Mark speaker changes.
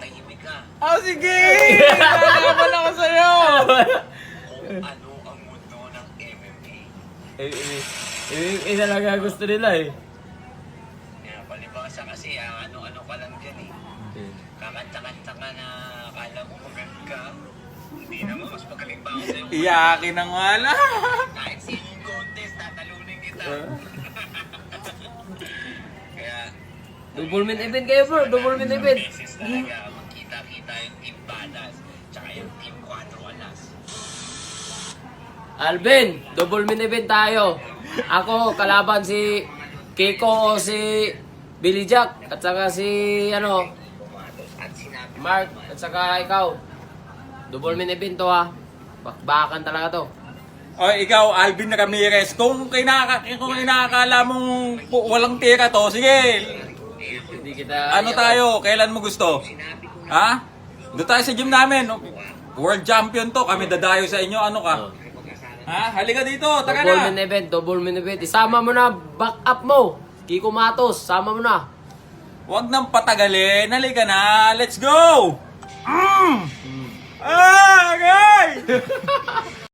Speaker 1: Tahimik ka.
Speaker 2: Oh, sige! Lalaban ako sa'yo!
Speaker 1: Kung ano ang mundo ng MMA.
Speaker 3: Talaga gusto nila eh.
Speaker 1: Kaya palibasa kasi ano-ano ka lang dyan eh. Kakanta-kanta ka na akala mo magaling ka. Hindi naman, mas magaling pa ako sa'yo.
Speaker 2: Iyakin na nga lang.
Speaker 1: Kahit singing contest, tatalunin kita. Kaya,
Speaker 3: Double main event kayo bro, double main event.
Speaker 1: beses talaga magkita-kita yung Team Balas tsaka yung Team 4 Alas.
Speaker 3: Alvin, double main event tayo. Ako, kalaban si Kiko o si Billy Jack. At saka si,
Speaker 1: At sinabi
Speaker 3: Mark. At saka ikaw. Double main event to ha. Bakbakan talaga to.
Speaker 2: O ikaw, Alvin Ramirez, kung kinakakala mong walang tira to, sige.
Speaker 3: Hindi kita...
Speaker 2: Ano tayo? Kailan mo gusto? Ha? Doon tayo sa gym namin. World champion to. Kami dadayo sa inyo. Ano ka? Ha? Halika dito. Taka
Speaker 3: Double
Speaker 2: na.
Speaker 3: main event, double main event. Isama mo na, back up mo. Kiko Matos, sama mo na.
Speaker 2: Huwag nang patagalin. Halika na. Let's go! Ah, okay!